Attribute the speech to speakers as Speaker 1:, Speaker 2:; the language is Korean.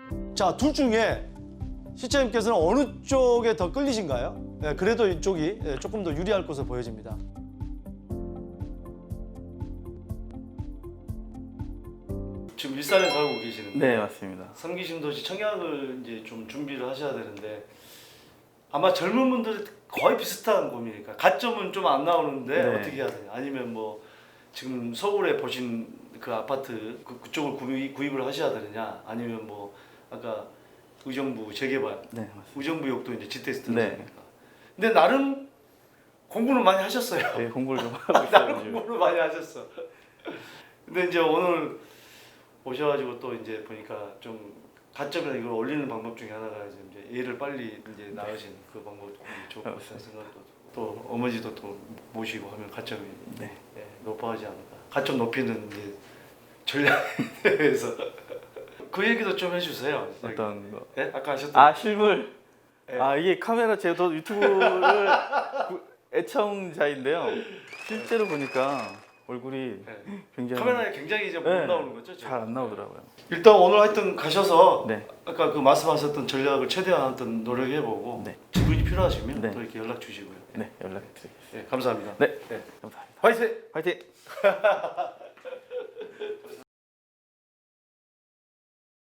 Speaker 1: 자, 둘 중에 시청자님께서는 어느 쪽에 더 끌리신가요? 예, 그래도 이쪽이 조금 더 유리할 것으로 보여집니다. 지금 일산에 살고 계시는데
Speaker 2: 네, 맞습니다.
Speaker 1: 삼기신도시 청약을 이제 좀 준비를 하셔야 되는데 아마 젊은 분들이 거의 비슷한 고민이니까 가점은 좀 안 나오는데
Speaker 2: 네.
Speaker 1: 어떻게 해야 되냐? 아니면 뭐 지금 서울에 보신 그 아파트 그쪽을 구입을 하셔야 되느냐? 아니면 뭐 아까 의정부 재개발,
Speaker 2: 네, 맞습니다.
Speaker 1: 의정부역도 이제 지테스트
Speaker 2: 네.
Speaker 1: 하니까. 근데 나름 공부는 많이 하셨어요.
Speaker 2: 네, 공부를 좀 하고 있어요.
Speaker 1: 나름
Speaker 2: 요즘.
Speaker 1: 공부를 많이 하셨어. 근데 이제 오늘 오셔가지고 또 이제 보니까 좀 가점이나 이걸 올리는 방법 중에 하나가 이제 얘를 빨리 이제 낳으신 그 방법도 좋을 것 같다는 생각도 들고 또 어머니도 또 모시고 하면 가점이
Speaker 2: 네.
Speaker 1: 높아지지 않을까. 가점 높이는 이제 전략에 대해서 그 얘기도 좀 해주세요.
Speaker 2: 어떤 거?
Speaker 1: 네? 아까 하셨던
Speaker 2: 아, 실물.
Speaker 1: 네.
Speaker 2: 아, 이게 카메라 제가 유튜브를 애청자인데요. 실제로 보니까 얼굴이
Speaker 1: 네.
Speaker 2: 굉장히
Speaker 1: 카메라에 굉장히 이제 못
Speaker 2: 네.
Speaker 1: 나오는 거죠?
Speaker 2: 잘 안 나오더라고요.
Speaker 1: 일단 오늘 하여튼 가셔서
Speaker 2: 네.
Speaker 1: 아까 그 말씀하셨던 전략을 최대한 하여튼 노력해보고
Speaker 2: 네.
Speaker 1: 지분이 필요하시면
Speaker 2: 네.
Speaker 1: 또 이렇게 연락 주시고요.
Speaker 2: 네, 연락드리겠습니다.
Speaker 1: 네, 감사합니다.
Speaker 2: 네.
Speaker 1: 네.
Speaker 2: 감사합니다.
Speaker 1: 화이팅!
Speaker 2: 화이팅!